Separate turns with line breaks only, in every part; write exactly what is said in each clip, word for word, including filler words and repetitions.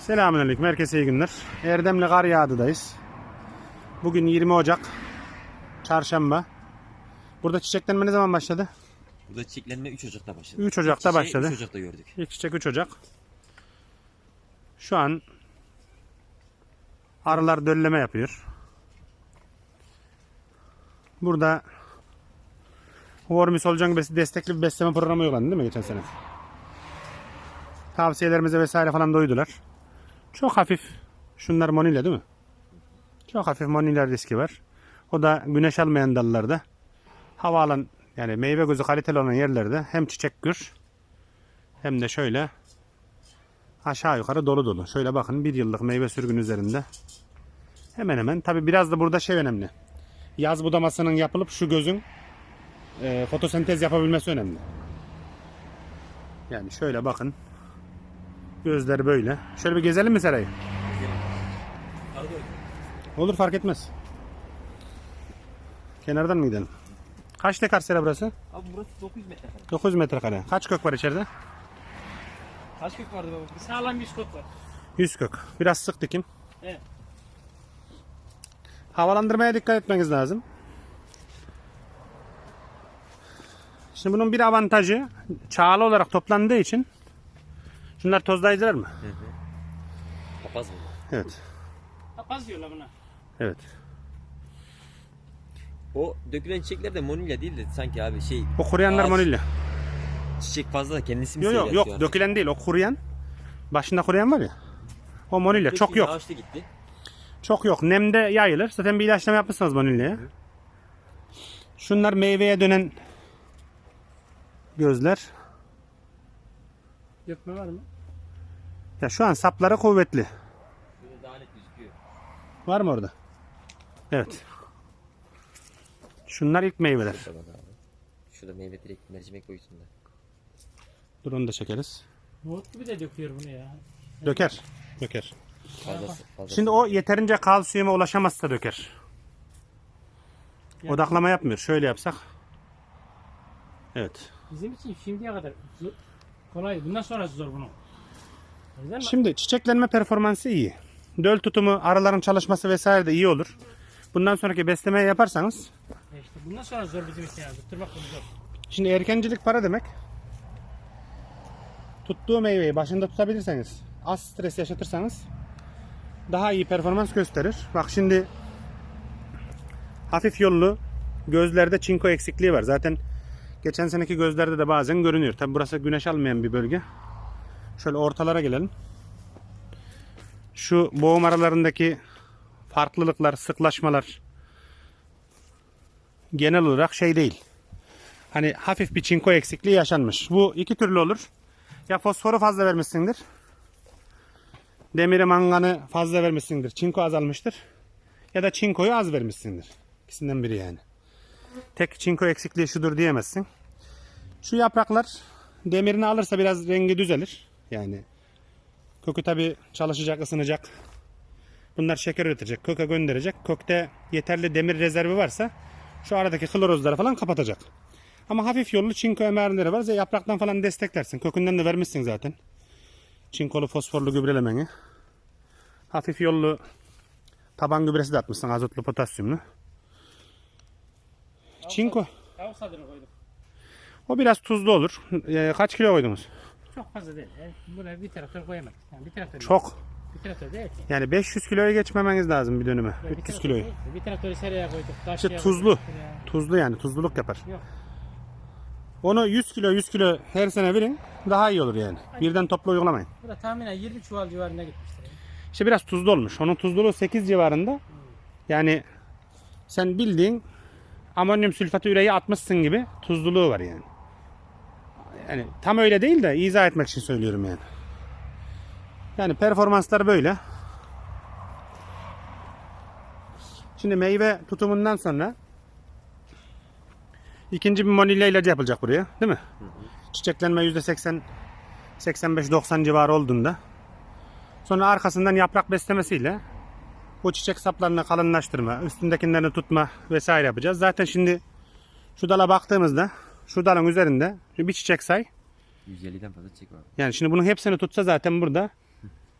Selamünaleyküm, herkese iyi günler. Erdemli Karyağdı'dayız. Bugün yirmi Ocak, Çarşamba. Burada çiçeklenme ne zaman başladı?
Burada çiçeklenme üç Ocak'ta başladı.
üç Ocak'ta
İlk
başladı.
üç Ocak'ta gördük.
İlk çiçek üç Ocak. Şu an arılar dölleme yapıyor. Burada Wormy Solucan destekli bir besleme programı uygulandı değil mi geçen sene? Tavsiyelerimize vesaire falan doydular. Çok hafif. Şunlar monilya değil mi? Çok hafif monilya riski var. O da güneş almayan dallarda. Hava alan yani meyve gözü kaliteli olan yerlerde hem çiçek gür hem de şöyle aşağı yukarı dolu dolu. Şöyle bakın bir yıllık meyve sürgün üzerinde. Hemen hemen. Tabi biraz da burada şey önemli. Yaz budamasının yapılıp şu gözün e, fotosentez yapabilmesi önemli. Yani şöyle bakın. Gözleri böyle. Şöyle bir gezelim mi Seray'ı? Olur, fark etmez. Kenardan mı gidelim? Kaç dekar sera burası?
Abi burası dokuz metrekare.
dokuz metrekare. Kaç kök var içeride?
Kaç kök vardı baba?
Sağlam yüz kök var.
yüz kök. Biraz sık dikim.
Evet.
Havalandırmaya dikkat etmeniz lazım. Şimdi bunun bir avantajı çağlı olarak toplandığı için şunlar tozlayıcılar mı?
Hı hı. Papaz mı?
Evet.
Papaz diyorlar buna.
Evet.
O dökülen çiçekler de monilya değil de sanki abi şey.
O kuruyanlar
ağaç,
monilya.
Çiçek fazla da kendisi mi
Yok yok
seyreltiyor
yok
artık?
dökülen değil, o kuruyan. Başında kuruyan var ya. O monilya çok
Döküldü,
yok.
Ağaçta gitti.
Çok yok. Nemde yayılır. Zaten bir ilaçlama yapmışsınız vanilyaya. Şunlar meyveye dönen gözler.
Dökme var mı?
Ya şu an sapları kuvvetli.
Şurada daha net gözüküyor.
Var mı orada? Evet. Şunlar ilk meyveler.
Şurada bak abi. Şurada meyve direkt mercimek boyutunda.
Dur onu da çekeriz.
Nohut gibi de döküyor bunu ya.
Döker. Döker.
Fazlası, fazlası.
Şimdi o yeterince kalsiyuma ulaşamazsa döker. Odaklama yapmıyor. Şöyle yapsak. Evet.
Bizim için şimdiye kadar zor, kolay. Bundan sonrası zor bunun. O yüzden
Şimdi çiçeklenme performansı iyi. Döl tutumu, arıların çalışması vesaire de iyi olur. Bundan sonraki beslemeyi yaparsanız.
e işte bundan sonra zor bizim için yani. Tutturmak bunu zor.
Şimdi erkencilik para demek. Tuttuğu meyveyi başında tutabilirseniz, az stres yaşatırsanız daha iyi performans gösterir. Bak şimdi hafif yollu gözlerde çinko eksikliği var. Zaten geçen seneki gözlerde de bazen görünüyor. Tabi burası güneş almayan bir bölge. Şöyle ortalara gelelim. Şu boğum aralarındaki farklılıklar, sıklaşmalar genel olarak şey değil. Hani hafif bir çinko eksikliği yaşanmış. Bu iki türlü olur. Ya fosforu fazla vermişsindir. Demiri manganı fazla vermişsindir. Çinko azalmıştır. Ya da çinkoyu az vermişsindir. İkisinden biri yani. Tek çinko eksikliği şudur diyemezsin. Şu yapraklar demirini alırsa biraz rengi düzelir. Yani kökü tabi çalışacak, ısınacak. Bunlar şeker üretecek, köke gönderecek. Kökte yeterli demir rezervi varsa şu aradaki klorozları falan kapatacak. Ama hafif yollu çinko emerleri var. Yapraktan falan desteklersin. Kökünden de vermişsin zaten. Çinkolu fosforlu gübrelemeni. Hafif yollu taban gübresi de atmışsın. Azotlu, potasyumlu. Çinko.
Tavuk sadını koyduk.
O biraz tuzlu olur. Ee, kaç kilo koydunuz?
Çok fazla değil. Yani buna bir traktör koyamadık. Yani bir traktör
Çok.
Bir traktör değil.
Yani beş yüz kiloya geçmemeniz lazım bir dönüme.
Yani bir
üç yüz
traktör
kiloyu.
değil. Bir traktörü seraya koyduk.
İşte
Taşlığa
tuzlu.
koyduk ya.
Tuzlu yani. Tuzluluk yapar.
Yok.
Onu yüz kilo yüz kilo her sene verin. Daha iyi olur yani. Birden toplu uygulamayın.
Bu da tahminen yirmi çuval civarında gitmiştir. Yani.
İşte biraz tuzlu olmuş. Onun tuzluluğu sekiz civarında. Yani sen bildiğin amonyum sülfatı üreyi atmışsın gibi tuzluluğu var yani. Yani tam öyle değil de izah etmek için söylüyorum yani. Yani performanslar böyle. Şimdi meyve tutumundan sonra ikinci bir monilya ilacı yapılacak buraya, değil mi? Hı hı. Çiçeklenme yüzde seksen seksen beş doksan civarı olduğunda sonra arkasından yaprak beslemesiyle bu çiçek saplarını kalınlaştırma, üstündekilerini tutma vesaire yapacağız. Zaten şimdi şu dala baktığımızda şu dalın üzerinde bir çiçek say.
yüz elliden fazla çiçek var.
Yani şimdi bunun hepsini tutsa zaten burada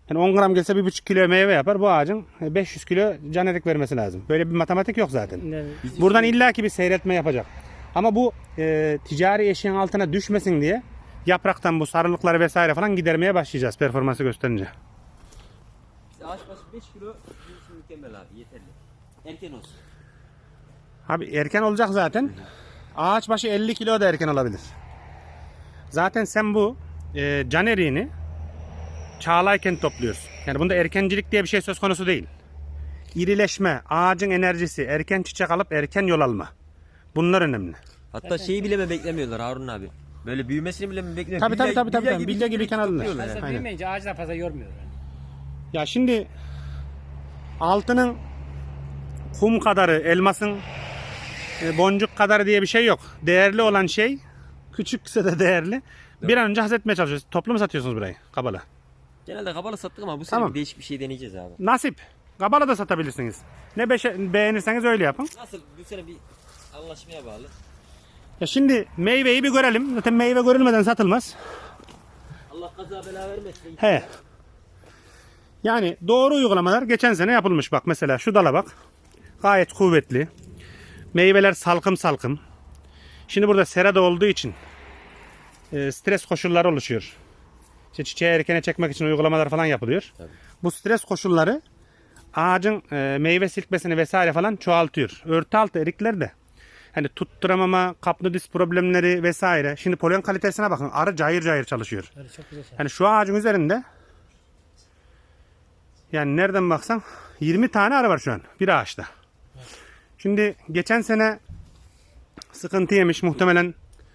Yani on gram gelse bir buçuk kilo meyve yapar. Bu ağacın beş yüz kilo can erik vermesi lazım. Böyle bir matematik yok zaten.
Ne-
Buradan illaki bir seyretme yapacak. Ama bu e, ticari eşiğin altına düşmesin diye yapraktan bu sarılıkları vesaire falan gidermeye başlayacağız performansı gösterince.
İşte ağaç başı beş kilo bizim için mükemmel abi, yeterli. Erken olsun.
Abi erken olacak zaten. Ağaç başı elli kilo da erken olabilir. Zaten sen bu e, can eriğini çağlayken topluyorsun. Yani bunda erkencilik diye bir şey söz konusu değil. İrileşme, ağacın enerjisi, erken çiçek alıp erken yol alma. Bunlar önemli.
Hatta şeyi bile mi beklemiyorlar Harun abi? Böyle büyümesini bile mi beklemiyor?
Tabii, tabii,
Bilye-
tabii, tabii,
bilye
tabii. Bilye gibi kenarında.
topluyorlar
Fazla
yani.
Aynen.
büyümeyince ağaçlar fazla yormuyor. Yani.
Ya şimdi altının kum kadarı, elmasın e, boncuk kadarı diye bir şey yok. Değerli olan şey, küçükse de değerli. Bir an önce hazretmeye çalışıyoruz. Toplu mu satıyorsunuz burayı? Kabala.
Genelde kabalı sattık ama bu sene
Tamam.
bir değişik bir şey deneyeceğiz abi.
Nasip. Kabala da satabilirsiniz. Ne beşe- beğenirseniz öyle yapın.
Nasıl bu sene bir anlaşmaya bağlı.
Ya şimdi meyveyi bir görelim. Zaten meyve görülmeden satılmaz.
Allah kaza bela vermesin.
He. Yani doğru uygulamalar geçen sene yapılmış. Bak mesela şu dala bak. Gayet kuvvetli. Meyveler salkım salkım. Şimdi burada serada olduğu için e, stres koşulları oluşuyor. İşte çiçeği erkene çekmek için uygulamalar falan yapılıyor.
Tabii.
Bu stres koşulları ağacın e, meyve silkmesini vesaire falan çoğaltıyor. Örtü altı erikler de hani tutturamama, kapnodis problemleri vesaire. Şimdi polen kalitesine bakın. Arı cayır cayır çalışıyor.
Öyle çok güzel şey.
Yani şu ağacın üzerinde yani nereden baksan yirmi tane arı var şu an bir ağaçta. Şimdi geçen sene sıkıntı yemiş muhtemelen,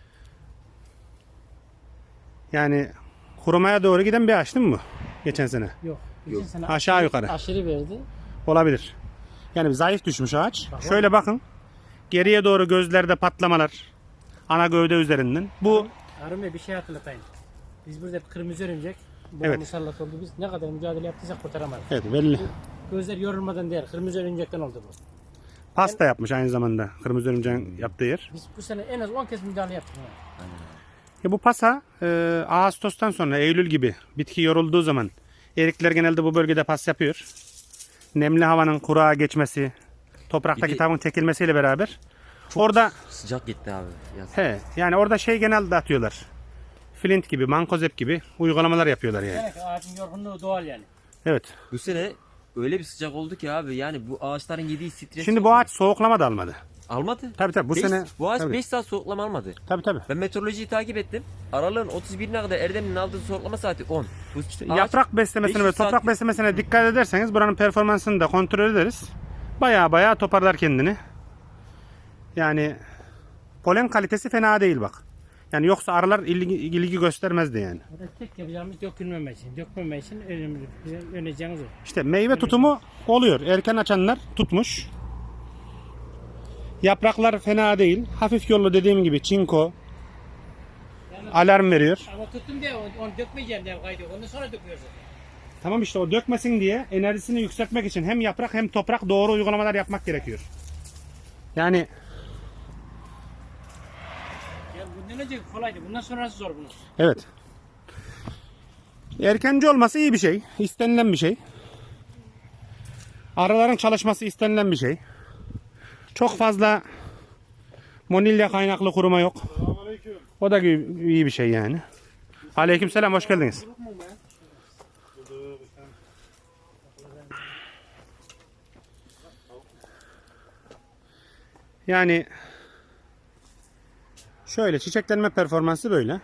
yani kurumaya doğru giden bir ağaç değil mi bu? Geçen sene.
Yok. Geçen sene
Aşağı yukarı.
aşırı verdi.
Olabilir. Yani zayıf düşmüş ağaç. Şöyle bakın. Geriye doğru gözlerde patlamalar. Ana gövde üzerinden. Bu
Harun Bey bir şey hatırlatayım. Biz burada hep kırmızı örümcek. Bu
Evet.
musallat oldu. Biz ne kadar mücadele yaptıysak kurtaramadık.
evet belli.
Gözler yorulmadan değil. Kırmızı örümcekten oldu bu.
Pasta yapmış aynı zamanda. Kırmızı örümceğin yaptığı yer.
Biz bu sene en az on kez müdahale yaptık. Ha.
Ya bu pasa e, Ağustos'tan sonra Eylül gibi bitki yorulduğu zaman erikler genelde bu bölgede pas yapıyor. Nemli havanın kuruğa geçmesi, topraktaki
Bir de-
tavuğun çekilmesiyle beraber orada
Sıcak gitti abi. Yaz.
he yani orada şey genelde atıyorlar. Flint gibi, mankozep gibi uygulamalar yapıyorlar yani.
Demek ki ağacın yorgunluğu doğal yani.
Evet.
Bu sene öyle bir sıcak oldu ki abi, yani bu ağaçların yediği stres.
Şimdi bu ağaç soğuklama da almadı.
almadı.
Tabii tabii bu
Beş-
sene
bu ağaç
tabii.
beş saat soğuklama almadı.
Tabii tabii.
Ben meteorolojiyi takip ettim. Aralığın otuz birine kadar Erdemli'nin aldığı soğuklama saati on. Bu ağaç
Yaprak beslemesine ve
beş yüz saat-
toprak beslemesine dikkat ederseniz buranın performansını da kontrol ederiz. Baya baya toparlar kendini. Yani polen kalitesi fena değil bak. Yani yoksa arılar ilgi, ilgi göstermezdi yani.
Burada tek yapacağımız dökülmemek için. Dökmemek için önemli. Bizim öneceğimiz o.
İşte meyve tutumu oluyor. Erken açanlar tutmuş. Yapraklar fena değil. Hafif yollu dediğim gibi çinko
Yani,
alarm veriyor.
ama tuttum diye onu, onu dökmeyeceğim diye kaydı. Ondan sonra döküyoruz.
Tamam işte o dökmesin diye enerjisini yükseltmek için hem yaprak hem toprak doğru uygulamalar yapmak gerekiyor. Yani
Yani bundan önce kolaydı. Bundan sonrası zor bunun.
evet. Erkenci olması iyi bir şey. İstenilen bir şey. Arıların çalışması istenilen bir şey. Çok fazla monilya kaynaklı kuruma yok. O da iyi iyi bir şey yani. Aleykümselam, hoş geldiniz. Yani şöyle çiçeklenme performansı böyle.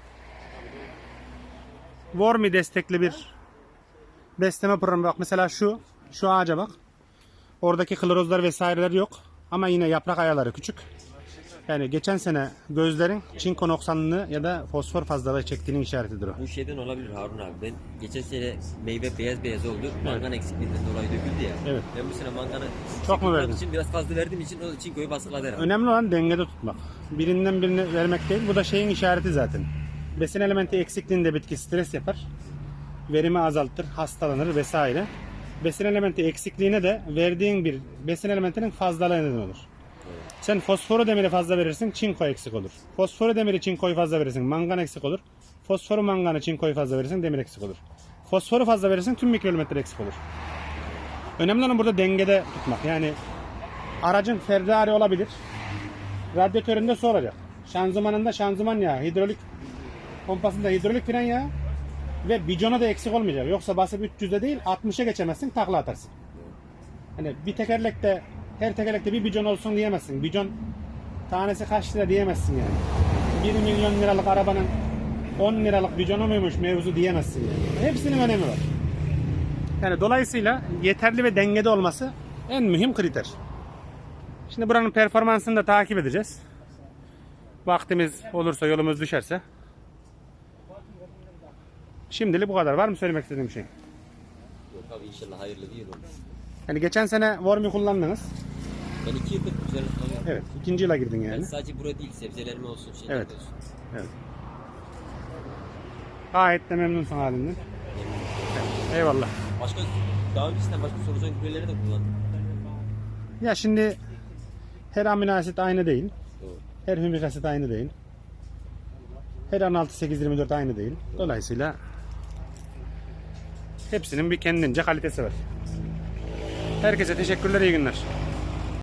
Wormy destekli bir besleme programı. Bak mesela şu şu ağaca bak. Oradaki klorozlar vesaireler yok. Ama yine yaprak ayaları küçük. Yani geçen sene gözlerin çinko noksanlığı ya da fosfor fazlalığı çektiğinin işaretidir o.
Bu şeyden olabilir Harun abi. Ben geçen sene meyve beyaz beyaz oldu. Mangan eksikliğinden dolayı döküldü ya.
Evet.
Ben bu sene manganı
Çok mu verdin?
için biraz fazla verdiğim için o çinkoyu baskıladı herhalde.
Önemli olan dengede tutmak. Birinden birine vermek değil. Bu da şeyin işareti zaten. Besin elementi eksikliğinde bitki stres yapar. Verimi azaltır, hastalanır vesaire. Besin elementi eksikliğine de verdiğin bir besin elementinin fazlalığı neden olur. Sen fosforu demiri fazla verirsin, çinko eksik olur. Fosforu demiri çinkoyu fazla verirsin, mangan eksik olur. Fosforu manganı çinkoyu fazla verirsin, demir eksik olur. Fosforu fazla verirsen tüm mikroelementler eksik olur. Önemli olan burada dengede tutmak. Yani aracın Ferrari olabilir. Radyatöründe su olacak. Şanzımanında şanzıman yağı, hidrolik pompasında hidrolik fren yağı ve bicona da eksik olmayacak. Yoksa basıp üç yüzde değil altmışa geçemezsin, takla atarsın. Hani bir tekerlekte, her tekerlekte bir bicon olsun diyemezsin. Bicon tanesi kaç lira diyemezsin yani. bir milyon liralık arabanın on liralık biconu muymuş mevzu diyemezsin yani. Hepsinin önemi var. Yani dolayısıyla yeterli ve dengede olması en mühim kriter. Şimdi buranın performansını da takip edeceğiz. Vaktimiz olursa, yolumuz düşerse. Şimdilik bu kadar. Var mı söylemek istediğim bir şey?
Yok abi inşallah hayırlı bir yıl olur.
Yani geçen sene Vormi kullandınız.
Ben iki yıldır üzerine kullanıyorum.
Evet. ikinci yıla girdin
Ben
yani.
sadece burada değil sebzelerime olsun şeyler
Evet.
olsun.
Evet. Gayet de memnunsun halinden. Evet. Eyvallah.
Başka daha öncesinden başka solucan gübreleri de kullandım.
Ya şimdi her amino asit aynı değil.
Doğru.
Her hümik asit aynı değil. Her on altı sekiz yirmi dört aynı değil. Dolayısıyla hepsinin bir kendince kalitesi var. Herkese teşekkürler, iyi günler.